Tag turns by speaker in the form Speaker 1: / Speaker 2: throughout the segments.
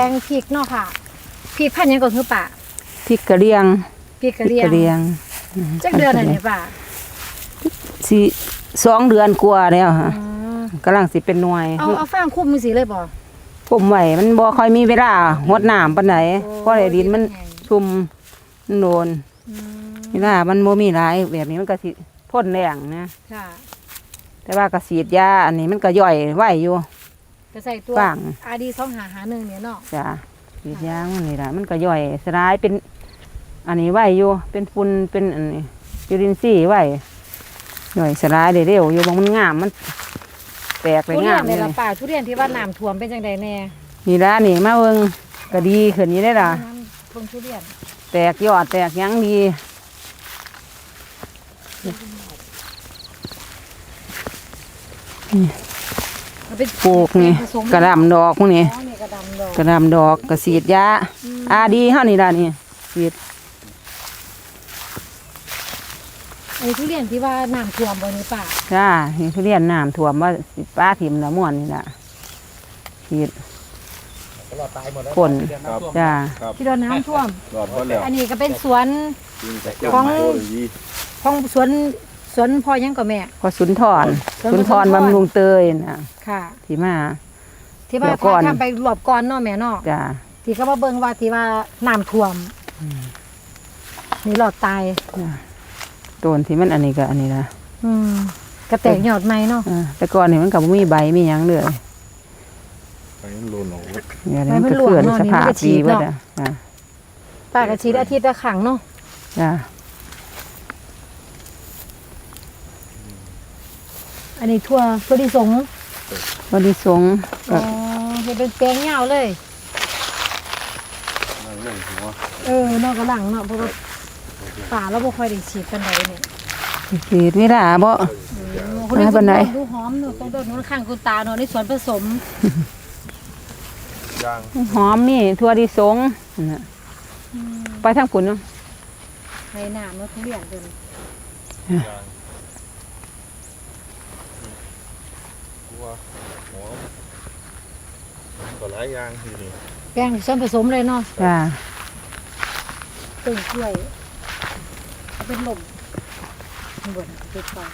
Speaker 1: งพริกเนาะค่ะพริกพันธุ์ยังก่อนคือป่า
Speaker 2: พริกกระเลียง
Speaker 1: พริกกระเลียงจักเดือนอะไรเนี่ยป่า
Speaker 2: สิ2 เดือนกว่าแล้วค่ะกำลังสิเป็นหน่วย
Speaker 1: เอาฟางคุมมือสิเลยบ่
Speaker 2: ผมไว้มันบ่ค่อยมีเวลาหดน้ำปานใดเพราะไอ้ดินมันชุ่มมันโดนเวลามันบ่มีหลายแบบนี้มันก็สิทนแรงนะ
Speaker 1: ค่ะ
Speaker 2: แต่ว่าก็ฉีดยาอันนี้มันก็ย่อยไว้อยู่
Speaker 1: ก็ใส่ตัวRD 2551เนี่ยเนาะ
Speaker 2: จ้ะฉีดยามันนี่ล่ะมันก็ย่อยสลายเป็นอันนี้ไว้อยู่เป็นฝุ่นเป็นอันนี้จุลินทรีย์ไว้ย่อยสลายได้เร็วอยู่บ่มันงามมันแตกไปงาม
Speaker 1: เลยล่ะป่าทุเรียนที่ว่าน้ำท่วมเป็นจังไดแน่
Speaker 2: นี่ล่ะนี่มาเบิ่งก็ดีขึ้นนี่ได้ล่ะ
Speaker 1: ต้นทุเรียน
Speaker 2: แตกยอดแตกยังดีปลูกนี่กระดำดอกพวกนี้กระดำดอกกระสีดยาดีเท่านี้ล่ะนี่สีด
Speaker 1: ไอ้ทุเรียนที่ว่าน้ำท่วมบนนี้ป่า
Speaker 2: จ้านี่ทุเรียนน้ำท่วมว่าป้าถิ่มละม่วนนี่ล่ะสีดฝนจ้า
Speaker 1: ที่โดนน้ำท่วมอันนี้ก็เป็นสวนของสวนพ่อยังกับแม่
Speaker 2: ก็สุนทรบำรุงเตยนะ
Speaker 1: ค่ะ
Speaker 2: ที่มา
Speaker 1: ทำไปรอบก่อนเนาะแม่เนาะ
Speaker 2: จ้า
Speaker 1: ที่ก็มาเบิ่งว่าที่ว่าน้ำท่วมนี่หลอดตาย
Speaker 2: ต้นที่มันอันนี้ก็อันนี้นะ
Speaker 1: กระแตกยอดใหม่เนาะ
Speaker 2: แต่ก่อนนี่มันก็บ่มีใบมีหยังเลย
Speaker 3: ไปมันหล่นออก
Speaker 2: เนี่ยมันก็เกิดสภาพดีเบิดอ่ะ
Speaker 1: ป้ากระชีดอาทิตย์ละครั้งเนาะ
Speaker 2: จ้า
Speaker 1: อันนี้ทั่วดิสงอ๋อเป็นแปลงยาวเลยนอกกระหลังเนาะเพราะว่าป่าเราบ่ค่อยได้ฉีดกันไหนเนี่ย
Speaker 2: ฉีดไม่ได้บ่
Speaker 1: คนนี้คนดูหอมเนาะต้องโดนนู้นข้างคุณตาเนาะในสวนผสม
Speaker 2: หอมนี่ทั่วดิสงไปทางปุ่นเนาะ
Speaker 1: ในหนามเนาะทุเรียนเป็น
Speaker 3: ก็หลายอย่างอยู่นี่
Speaker 1: แป้งส่วนผสมเลยเนาะ
Speaker 2: จ้า
Speaker 1: ต้นกล้วยเป็นลมเหมือนเป็นปลา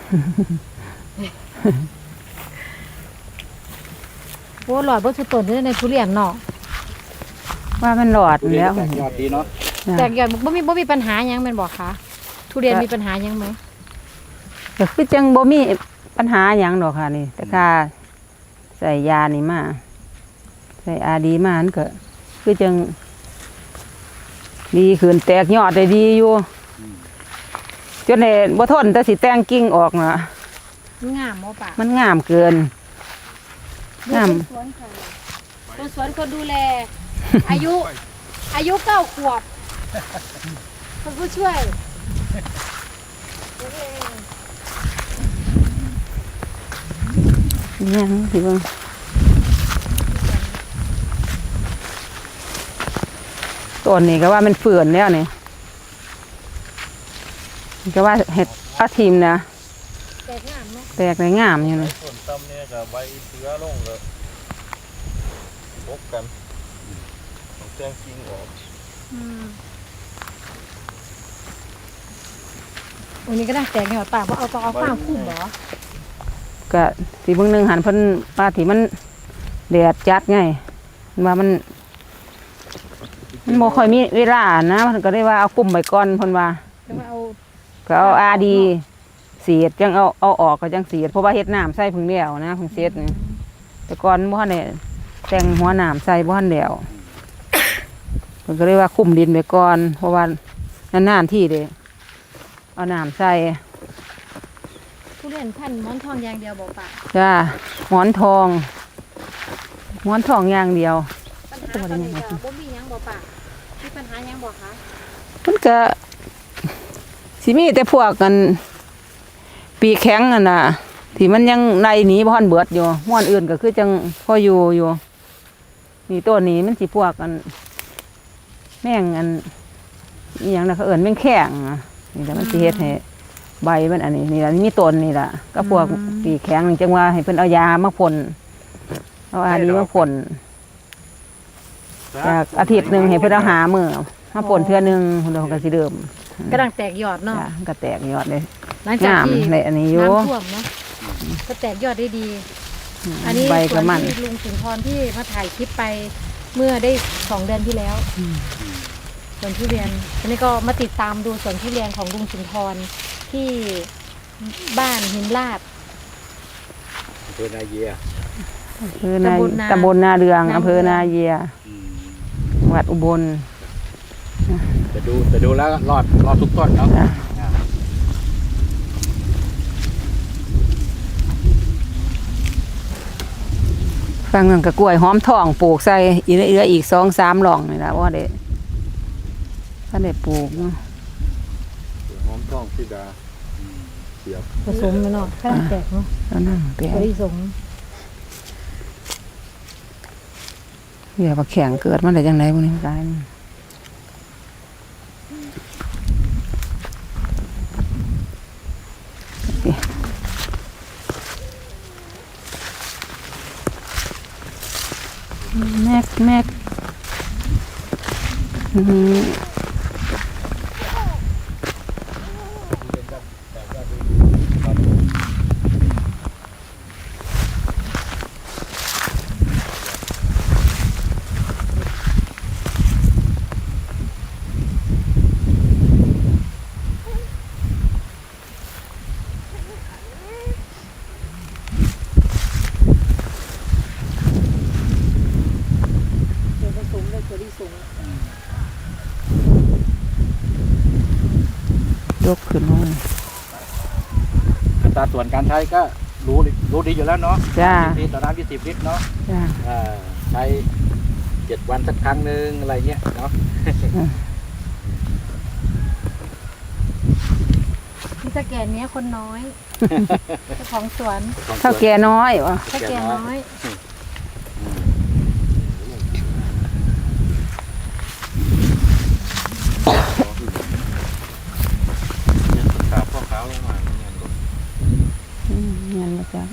Speaker 1: โอ้หลอดบ่ทุกต้นในทุเรียนเนาะ
Speaker 2: ว่ามันหลอดแล้ว
Speaker 3: ยอดดีเนาะ
Speaker 1: แต่ยอดบ่มีปัญหายังแม่นบ่คะทุเรียนมีปัญหายังไหม
Speaker 2: ก็คือจังบ่มีปัญหาหยังดอกค่ะนี่แต่ค่าใส่ยานี่มาใส่RDมาอันก็คือจังดีขึ้นแตกยอดได้ดีอยู่จนเนี่ยบ่ทนแต่สิแต่งกิ่งออกนะ
Speaker 1: งามบ่ป่ะ
Speaker 2: มันงามเกิน
Speaker 1: งามต้นสวนคนดูแลอายุ9 ขวบคนผู้ช่วย
Speaker 2: ยังสิเบิ่งต้นนี้ก็ว่ามันเฟื่อนแล้วนี่ก็ว่าเห็ดอาทีมนะ
Speaker 1: แตกงามเนาะ
Speaker 2: แตกในงามอยู่เลย
Speaker 3: ส่วนต่ำเนี่ยกับใบเสือลงเลยพบกันต้องแจ้งจริงออก
Speaker 1: วันนี้ก็ได้แตกยอดป่าเพราะเอาฟางคุ้มเหรอ
Speaker 2: ก็สีเบิ่งนึงหันเพิ่นปลาที่มันแดดจัดไงว่ามันบ่ค่อยมีเวลานะมันก็ได้ว่าเอากลุ่มไว้ก่อนเพิ่นว่าก็เอาRDสีดจังเอาออกก็จังสีดเพราะว่าเฮ็ดน้ำใส่พึ่งเดียวนะพึ่งเสร็จนี่แต่ก่อนบ่ทันได้แต่งหัวน้ำใส่บ่ทันแล้วเพิ่นก็เลยว่าคุมดินไว้ก่อนเพราะว่านานๆที่เด้เอาน้ำใส่
Speaker 1: ทุเรียนพันธุ์หมอนทองอย่างเดียวบ่ป่ะ
Speaker 2: จ้าหมอนทองอย่างเดียว
Speaker 1: ปัญหาตอนนี้ก็บ่มีหยังบ่ป่ะมีปัญหาหยังบ่คะ
Speaker 2: มันก็สิมีแต่พวกกันปีแข็งน่ะที่มันยังในหนีบ่ทันเบิดอยู่ม่วนอื่นก็คือจังพออยู่นี่ต้นนี้มันสิพวกกันแม่งอันอีหยังน่ะเขาเอิ้นแม่งแข็งนี่แหละมันสิเฮ็ดให้ใบมันอันนี้นี่ล่ะมีต้นนี่ล่ะก็พวกปีแข็งนี่จังว่าให้เพิ่นเอายามาพ่นเอาRDมาพ่นจากอาทิตย์หนึงให้เพิ่นเอาหามื้อมาป่นเทื่อหนึงเพิ่นก็สิเริ่ม
Speaker 1: กำลังแตกยอดเนาะ
Speaker 2: จ้ะก็แตกยอดเลย
Speaker 1: หลังจาก
Speaker 2: งาม
Speaker 1: ที่
Speaker 2: เลยอันนี้อยู่
Speaker 1: น้ำท่วมเนาะก็แตกยอดได้ดี อันนี้
Speaker 2: ใบ
Speaker 1: ส
Speaker 2: ก็
Speaker 1: วน
Speaker 2: มัน
Speaker 1: ที่ลุงสุนทรที่มาถ่ายคลิปไปเมื่อได้2 เดือนที่แล้วสวนทุเรียนอันนี้ก็มาติดตามดูสวนทุเรียนของลุงสุนทรที่บ้านหินลาด
Speaker 3: เพื่อนไอเยีย
Speaker 2: คือใน
Speaker 1: ตำบลนา
Speaker 2: ตำบลนาเรือง
Speaker 1: นา
Speaker 2: อำเภอนาเยียจังหวัดอุบล
Speaker 3: แต่ดูแล้วรอดทุกต้นเนาะ
Speaker 2: จ้ะ ฟังเงินกับกล้วยหอมทองปลูกใส่อีเอื้ออีก2-3หล่องนี่ล่ะว่าได้ถ้าได้ปลูกเนาะ
Speaker 3: หอมท้องพิดาเสียบ
Speaker 1: ผสมมันเนาะกำลังแตกเนาะ
Speaker 2: แล้วนั่งแปะ
Speaker 1: ผสม
Speaker 2: เหี้ยบักแข็งเกิดมาได้จังได๋พวกนี้ตายนี่แม็กอืม
Speaker 1: เดี๋ยวผสมเลยตัวที่สูง
Speaker 2: ยกขึ้นมา
Speaker 3: อัตราส่วนการใช้ก็รู้ดีอยู่แล้วเนาะ
Speaker 2: จ้า
Speaker 3: 10 ลิตรต่อน้ำ20 ลิตรเนาะ
Speaker 2: จ้า
Speaker 3: ใช้7 วันสักครั้งหนึงอะไรเงี้ยเนาะ
Speaker 1: ที่สแกนเนี้ยคนน้อยเจ้าของสวน
Speaker 2: เท่าแก่น้อยวะ
Speaker 1: สแกนน้อย
Speaker 3: ขาพ่อขาวลงมาเนี่ย
Speaker 2: เงี้ยมาจ้า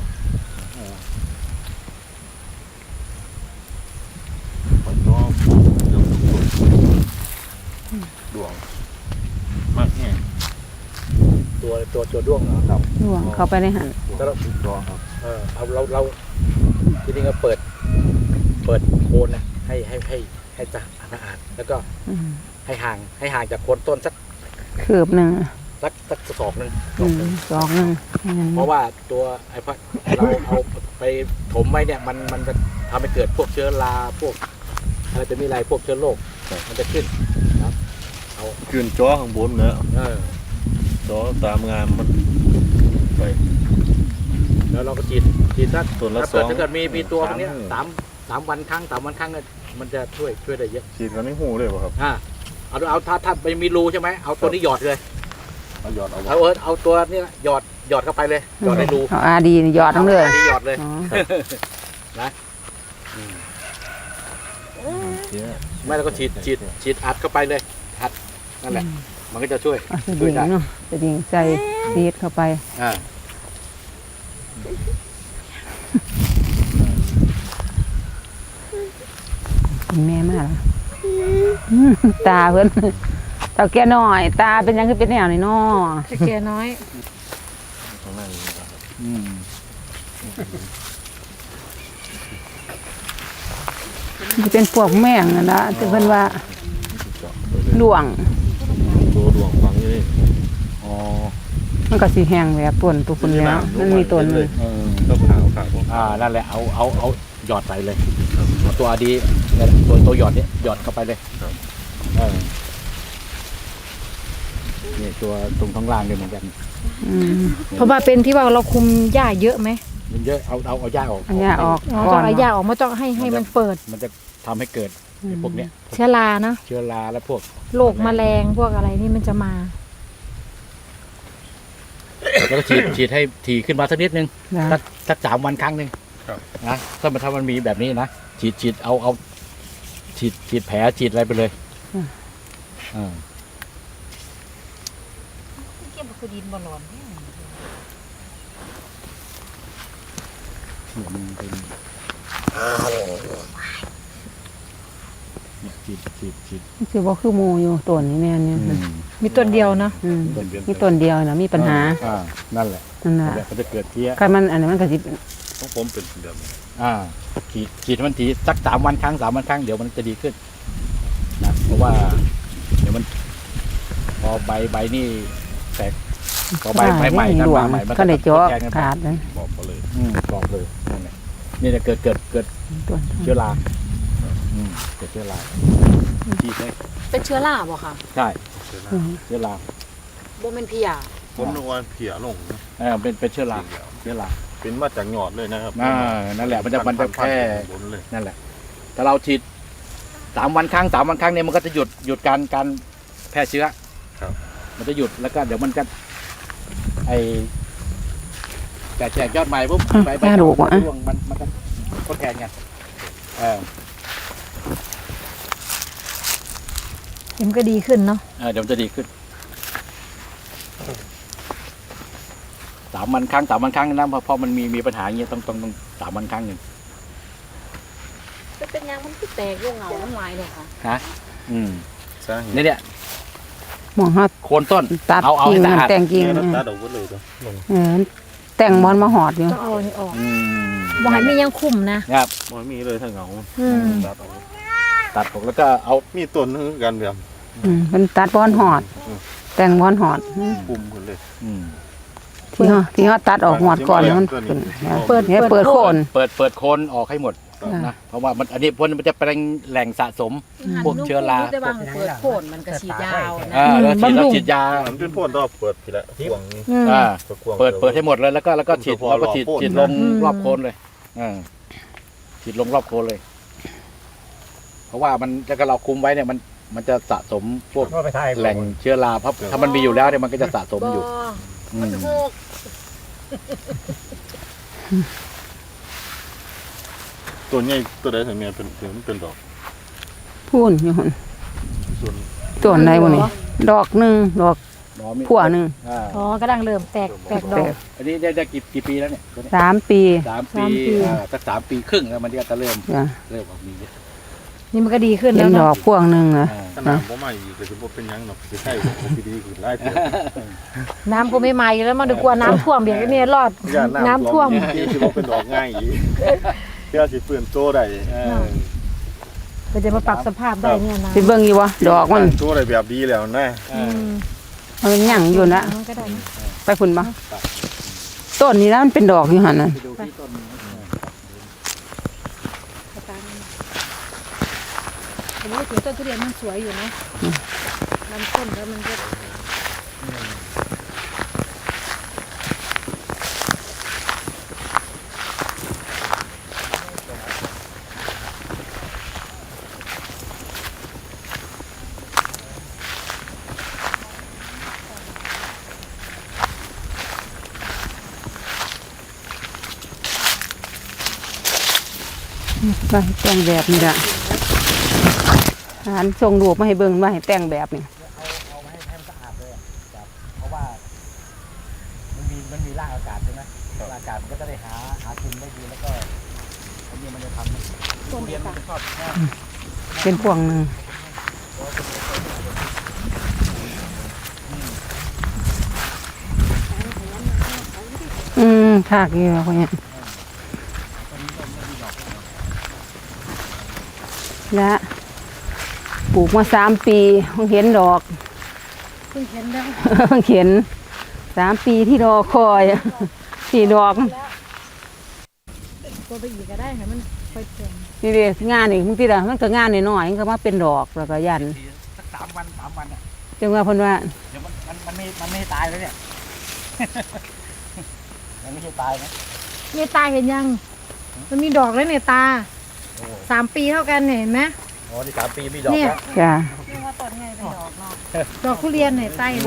Speaker 3: ปนตัวเดือดดวงมากแห้งตัวด้วงเหรอครับ
Speaker 2: ห่วงเข้าไปในหัน
Speaker 3: ก็ตัวครับเอาเราจริงๆก็เปิดโคนนะให้สะอาดแล้วก็ให้ห่างจากโคนต้นสัก
Speaker 2: คืบหนึ่ง
Speaker 3: ศอกหนึง
Speaker 2: สองหนึ่ง
Speaker 3: เพราะว่าตัวไอ้พัดเราเอาไปถมไว้เนี่ยมันจะทำให้เกิดพวกเชื้อราพวกอะไรจะมีอะไรพวกเชื้อโรคมันจะขึ้นนะครับเอา
Speaker 4: ขึ้นจ้อข้างบนเนอะ จ้อตามงานมันไป
Speaker 3: แล้วเราก็ฉีดสัก
Speaker 4: ส่วนละ
Speaker 3: ถ้าเกิด
Speaker 4: 2
Speaker 3: มีตัวพวกเนี้ย
Speaker 4: 3
Speaker 3: สามวันครั้งก็มันจะช่วยได้เยอะ
Speaker 4: ฉีดกันในหูเลยป่ะครับ
Speaker 3: เอาถ้าไม่มีรูใช่ไหมเอาตัวนี้หยอดเลย
Speaker 4: เอาหยอดเอา
Speaker 3: เอาตัวนี้หยอดเข้าไปเลยหยอดในรู
Speaker 2: เอาอาดีหยอดทั้งเลย
Speaker 3: นี่หยอดเลย
Speaker 2: อ๋อ
Speaker 4: เนี่ย
Speaker 3: ไม่แล้วก็ฉีดอัดเข้าไปเลยอัดนั่นแหละ มันก็จะช่วย
Speaker 2: เอาสดิงเนาะสดิงใส่ซีดเข้าไป
Speaker 3: อ่า
Speaker 2: แม่มากตาเพิ่นเท่าแก่น้อย ตาเป็นยังคือเป็นแนวนี่เนาะ
Speaker 1: สแกนน้อย
Speaker 4: ข้างในนี่ครับ
Speaker 2: สิเป็นพวกแม่งนั่นล่ะแต่เพิ่นว่า
Speaker 4: เจาะไปเลย
Speaker 2: หลวง
Speaker 4: ตัวดวงฟังอยู่นี่
Speaker 3: อ๋อ
Speaker 2: มันก็สิแห้งแบบต้นตัวคุณแล้วมันมีต้นหนึ่ง
Speaker 4: ก็ขาวขาว
Speaker 3: นั่นแหละเอาหยอดไปเลยเอาตัวดีเนี่ยตัวหยอดเนี่ยหยอดเข้าไปเลยนี่ตัวตรงข้างล่างเนี่ยเหมือนกัน
Speaker 1: เพราะว่าเป็นที่ว่าเราคุมหญ้าเยอะไหม
Speaker 3: มันเยอะเอาหญ้าออก
Speaker 2: อันเนี้ยออก
Speaker 1: อ๋อ
Speaker 2: ก่
Speaker 1: ต้
Speaker 2: อ
Speaker 1: อน งเอาหญ้าออกมาต้องให้มันเปิด
Speaker 3: มันจะทำให้เกิดไอ้พวกเนี้ย
Speaker 1: เชื้อรานะ
Speaker 3: เชื้อราและพวก
Speaker 1: โรคแมลงพวกอะไรนี่มันจะมา
Speaker 3: แล้วก็ฉีดให้ถี่ขึ้นมาสักนิดนึง
Speaker 2: นะ
Speaker 3: สัก3 วันครั้งหนึ่งนะถ้ามันมีแบบนี้นะฉีดเอาฉีดแผลฉีดอะไรไปเลย
Speaker 1: เก็บคือดินบ่ร้อน
Speaker 3: มันเป็นฉีด
Speaker 2: สิบ่คือหมู่อยู่ต้นนี้แม่นอยู่
Speaker 1: มีต้นเดียวเนาะ
Speaker 2: มีต้นเดียวน่ะมีปัญหา
Speaker 3: นั่นแหละ
Speaker 2: นั่นน่ะ
Speaker 3: มันจะเกิดเพี้ย
Speaker 2: คันมันอันนี้มันก็สิ
Speaker 4: ของผมเป็นแบบนี้
Speaker 3: ฉีดมันทีสัก3 วันครั้ง3 วันครั้งเดี๋ยวมันจะดีขึ้นนะเพราะว่าเดี๋ยวมันพอใบนี่แตกพอใบใหม่กันมาใหม่มัน
Speaker 2: ก็ได้เจาะ
Speaker 3: แทงกันไป
Speaker 2: ขาดเลย
Speaker 4: บอกเขาเลย
Speaker 3: กรอบเลยนั่นแหละนี่จะเกิด
Speaker 2: ต้น
Speaker 3: เชื้อราเกิดเชื้อราฉีดได้
Speaker 1: เป็นเชื้อราบ่ค่ะ
Speaker 3: ใช่เชื้อรา
Speaker 1: บ่เป็นพิยา
Speaker 4: ผมนึกว่าเพียลงนะ
Speaker 3: เป็นเชื้อรา
Speaker 4: เป็นมาจากหยอดเลยนะครับ
Speaker 3: นั่นแหละมันจะแค่
Speaker 4: บนเลย
Speaker 3: นั่นแหละแต่เราฉีด3 วันครั้ง3 วันครั้งเนี่ยมันก็จะหยุดการแพร่เชื้อ
Speaker 4: ครับ
Speaker 3: มันจะหยุดแล้วก็เดี๋ยวมันก็แตกยอดใหม่ปุ๊บใบร่วงมันก็ทดแทนกัน
Speaker 1: มันก็ดีขึ้นเนาะ
Speaker 3: เดี๋ยวมันจะดีขึ้น3 วันครั้ง3 วันครั้งนะเพราะมันมีปัญหาอย่างเงี้ยต้อง3 วันครั้งหนึ่ง
Speaker 1: เป็นยังมันคือแตกโยงเหงาน้ำลายเลยค่ะ
Speaker 3: นะ
Speaker 4: สร้าง
Speaker 3: เนี่ย
Speaker 2: หมองเฮา
Speaker 3: โคนต้น
Speaker 2: ตัด
Speaker 3: เอา
Speaker 2: กิ่ง
Speaker 3: ให้สะอาด
Speaker 2: แต่งกิ่ง
Speaker 4: ตัดออกหมดเลยตัวลง
Speaker 2: แต่งบอลมาหอดอยู่
Speaker 1: ต้องเอาอันนี้ออกบ่ให้มียังคุมนะครับ
Speaker 4: มันมีเลยถ้าเหงา ตัดออก
Speaker 3: ตัดออกแล้วก็เอา
Speaker 4: มีต้นนึงกันแบบ
Speaker 2: มันตัดบอลหอด แต่งบอลหอด
Speaker 4: ปุ่มขึ้นเลย
Speaker 2: ที่เขาตัดออกหอดก่อนมันขึ้น
Speaker 1: เปิด
Speaker 2: โคน
Speaker 3: เปิดโคนออกให้หมดนะเพราะว่ามันอันนี้พ่นมันจะเป็นแหล่งสะสม พวกเชื้อรา
Speaker 1: แต่บางเปิดโคนมันก็ฉีดยาวนะ
Speaker 3: แล้วฉีดยา
Speaker 4: มันเป็นพ่นต้องเปิดทีละห่วงนี้
Speaker 3: เปิดให้หมดเลยแล้วก็ฉีดแล้วก็ฉีดลงรอบโคนเลยฉีดลงรอบโคนเลย เพราะว่ามันถ้าเราคุมไว้เนี่ยมันจะสะสมพวกแหล่งเชื้อราเพราะถ้ามันมีอยู่แล้วเนี่ยมันก็จะสะสมอยู่
Speaker 1: มันโหก
Speaker 4: ตัวใหญ่ตัวใดถึงเนี่ยเป็นดอก
Speaker 2: พูนอยู่หั่น
Speaker 4: ส่วน
Speaker 2: ต้นไหนบ่นี่ดอกหนึงดอกผัวหนึง
Speaker 1: อ๋อกำลังเริ่มแตกดอก
Speaker 3: อันนี้ได้กี่ปีแล้วเนี่ย
Speaker 2: 3 ปี
Speaker 3: 3 ปีสัก3 ปีครึ่งแล้วมันก็จะเริ่ม
Speaker 2: จ้ะ
Speaker 3: ออกมีเยอะ
Speaker 1: นี่มันก็ดีขึ้น
Speaker 2: เป็
Speaker 1: แล้
Speaker 2: น
Speaker 1: ว
Speaker 2: ดอ
Speaker 1: เนาะ
Speaker 2: กพวงหนึงนะ
Speaker 4: ขนาดผมไม่อีกแต่ผมเป็นยังหรอกสิใช่ผมดีขึ้นไล่เถอะ
Speaker 1: น้ำก็ไม่มาอยู่แล้วมันดีกว่าน้ำท่วมเบียดเนี่ยรอดน้ำท่วม
Speaker 4: ที่สิบ่เป็นดอกง่ายอีกเพื่อสิฟื้นโตได้
Speaker 1: ก็จะมาปรับสภาพได้เนี่ยนะ
Speaker 2: สิเบิ่งอยู่บ่ดอกมัน
Speaker 4: โตได้แบบดีแล้วนะ
Speaker 2: มันหยั่งอยู่นะ
Speaker 1: มันก็ได้นะ
Speaker 2: ไปพุ่นบ่ต้นนี้นะมันเป็นดอกอยู่หั่นน่ะ
Speaker 3: ไปดูที่ต้น
Speaker 1: ผมว่าถือต้นทุเรียนมันสวยอยู่นะลำต้นแล้วมันก็
Speaker 2: ไปแต่งแบบนี้ล่ะหานส่งรูปมาให้เบิ่งว่าให้แต่งแบบนี้
Speaker 3: เอามาให้มันสะอาดเลยครับเพราะว่ามันมีร่างอากาศใช่ไหมร่างอากาศมันก็จะได้หากินได้ดีแล้วก็อันนี้มันจะทำทุเรียนมันจะชอบ
Speaker 2: เป็นพวงหนึงถากอยู่พวกนี้และปลูกมา3 ปีเพิ่งเห็นดอก
Speaker 1: เพิ่งเห็นแล้ว
Speaker 2: เพิ่งเห็น3 ปีที่รอคอยสี่ดอก
Speaker 1: ตัวไปอีกก็ได้ค่ะมันค่อยเต็ม
Speaker 2: นี่เด้งานนี่บางทีละมันก็งานน้อยๆมันก็มาเป็นดอกแล้วก็ยัน
Speaker 3: สัก3 วันเนี่ย
Speaker 2: จังว่าเพิ่นว่า
Speaker 3: เดี๋ยวมันไม่ตายแล้วเนี่ย มันไม่ใช่ตายนะ
Speaker 1: เนี่ยตาเห็นยัง มันมีดอกแล้วเนี่ยตา3 ปีเท่ากันเนี่ยเห็นไหม
Speaker 3: อ๋อนี่3 ปีมีดอก
Speaker 1: เนี่ย
Speaker 3: แล้ว
Speaker 2: จ้ะ
Speaker 1: เรียกว่าต้นไงเป็นดอกเนาะดอกทุเรียนเนี่ยตาเห็นไหม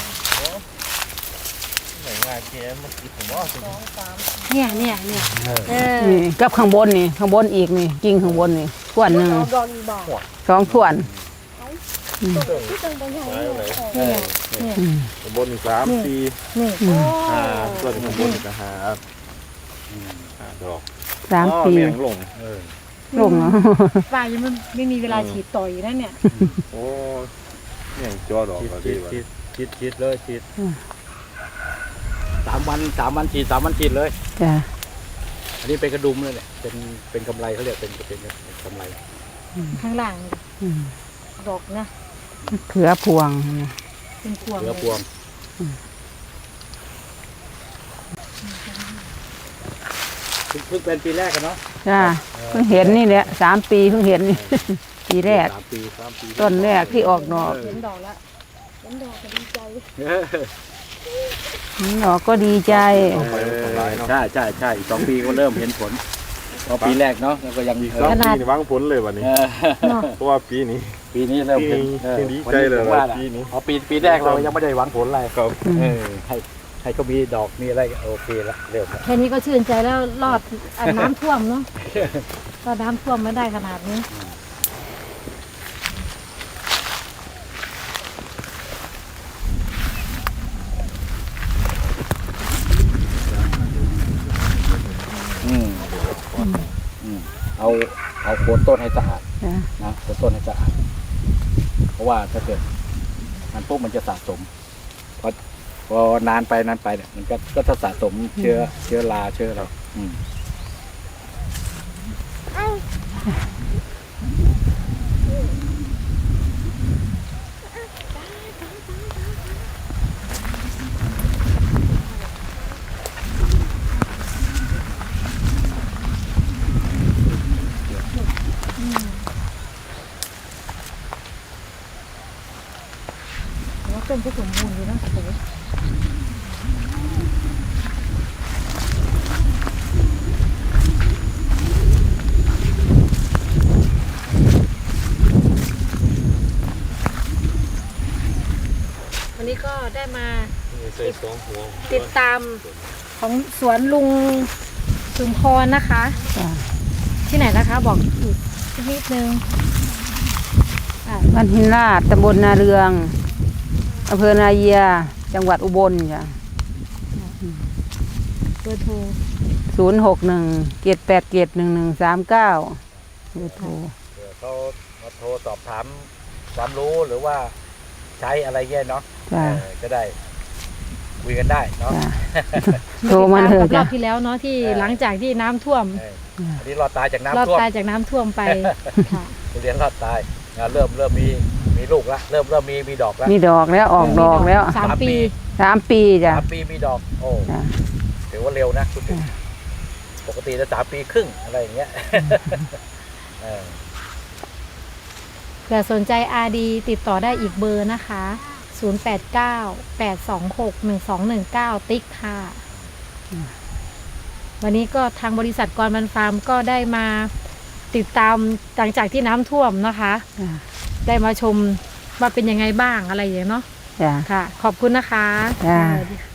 Speaker 4: ไหนง่ายแค่มันคิดผมว่า
Speaker 1: เนี่ยเออ
Speaker 2: นี่กับข้างบนนี่ข้างบนอีกนี่กิ่งข้างบนนี่ถ้วนหนึง
Speaker 1: ดอกอีบอก
Speaker 2: 2ถ้วน
Speaker 1: ที่ตรงตรงไหน
Speaker 3: เออ
Speaker 1: เนี่ย
Speaker 4: บน3 ปี
Speaker 1: นี่
Speaker 4: ส่วนข้างบนก็หาดอก
Speaker 2: 3 ปี
Speaker 4: แมงลง
Speaker 2: ลงเนาะ
Speaker 1: ฝ่ายยังไม่มีเวลาฉีดต่ออยู่นั่นเนี่ย
Speaker 4: โอ้เนี่ยจอดอกก็ดีว่ะ
Speaker 3: ฉีดเลยฉีด3 วันฉีด3 วันฉีดเลย
Speaker 2: จ้ะ
Speaker 3: อันนี้เป็นกระดุมเลยเนี่ยเป็นกำไรเขาเรียกเป็นกำไร
Speaker 1: ข้างหลัง
Speaker 2: อืม
Speaker 1: ดอกนะ
Speaker 2: เขือพวงนะ
Speaker 1: เป็นพวง
Speaker 3: เหลือพวงเพิ่งเป็นปีแรกกันเนาะ
Speaker 2: จ้ะเพิ่งเห็นนี่แหละ3 ปีเพิ่งเห็นนี่ ปีแรก
Speaker 3: 3 ปี
Speaker 2: ต้นแรกที่ออกดอก
Speaker 1: เห็นดอกแล้วเห็นดอกก็ดีใจ
Speaker 2: ดอกก็ดีใจ
Speaker 4: เอาไปทำลายเนาะ
Speaker 3: ใช่อีก2 ปีก็เริ่มเห็นผลพอปีแรกเนาะแล้วก็ยัง
Speaker 4: อีก3 ปีนี่วางผลเลยวันนี้
Speaker 1: เนาะ
Speaker 4: เพราะว่าปีนี้
Speaker 3: ปีนี้เริ่มเห็น
Speaker 4: ปีนี้ดีใจเลย
Speaker 3: ว่า
Speaker 4: ปีนี้
Speaker 3: พอปีแรกเรายังไม่ได้หวังผลอะไร
Speaker 4: ครับ
Speaker 3: ให้ก็มีดอกมีอะไรโอเคละเริ่มละ
Speaker 1: แค่นี้ก็ชื่นใจแล้วรอดน้ำท่วมเนาะก็น้ำท่วมไม่ได้ขนาดนี้
Speaker 3: เอาโคนต้นให้สะอาด
Speaker 2: จ้ะ
Speaker 3: นะโคนต้นให้สะอาดเพราะว่าถ้าเกิดมันปุ๊บมันจะสะสมพอนานไปเนี่ยมันก็จะสะสมเชื้อราเชื้อเรา
Speaker 1: แล้วต้นก็สมบูรณ์ดีนะโอ้โหวันนี้ก็ได้มา
Speaker 4: ใส่2 หัว
Speaker 1: ติดตามของสวนลุงสุมพรนะคะ
Speaker 2: จ้ะ
Speaker 1: ที่ไหนนะคะบอกอีกสักนิดนึงอ่ะ
Speaker 2: บ้านหินลาดตำบลนาเรืองอำเภอนาเยียจังหวัดอุบลจ้ะ
Speaker 1: เบอร์โทร
Speaker 2: 061-787-1139เบอร์โทร
Speaker 3: เดี๋ยวเขามาโทรสอบถามความรู้หรือว่าใช้อะไรเงี้ยเนาะ
Speaker 2: จ้ะ
Speaker 3: จะได้คุยกันได้เนาะ
Speaker 2: จ้ะ โทรมาเถอะ
Speaker 1: ติดตกับร
Speaker 2: จ้ะ
Speaker 1: อบที่แล้วเนาะที่หลังจากที่น้ำท่วม
Speaker 3: อันนี้รอดตายจาก
Speaker 1: รอด
Speaker 3: น้ำท่วม
Speaker 1: ตายจากน้ำท่วมไปค่ะ
Speaker 3: ทุเรียนรอดตายเริ่มมีลูกละเริ่มมีดอกละ
Speaker 2: มีดอกแล้วออกดอกแล้ว
Speaker 1: 3 ปี
Speaker 2: 3 ปีจ้ะ
Speaker 3: 3 ปีมีดอกโอ้
Speaker 2: จ้ะ
Speaker 3: ถือว่าเร็วนะคุณถึงปกติจะ3 ปีครึ่งอะไรอย่างเงี้ย
Speaker 1: เผื่อสนใจอาดีติดต่อได้อีกเบอร์นะคะ 0898261219 ติ๊กค่ะ วันนี้ก็ทางบริษัทกรมันฟาร์มก็ได้มาติดตามหลังจากที่น้ำท่วมนะคะ
Speaker 2: จ้ะ
Speaker 1: ได้มาชมว่าเป็นยังไงบ้างอะไรอย่างเงี้ยเนาะ
Speaker 2: จ้ะ
Speaker 1: ค่ะ ขอบคุณนะคะ
Speaker 2: จ้ะ
Speaker 1: สวัสดีค่ะ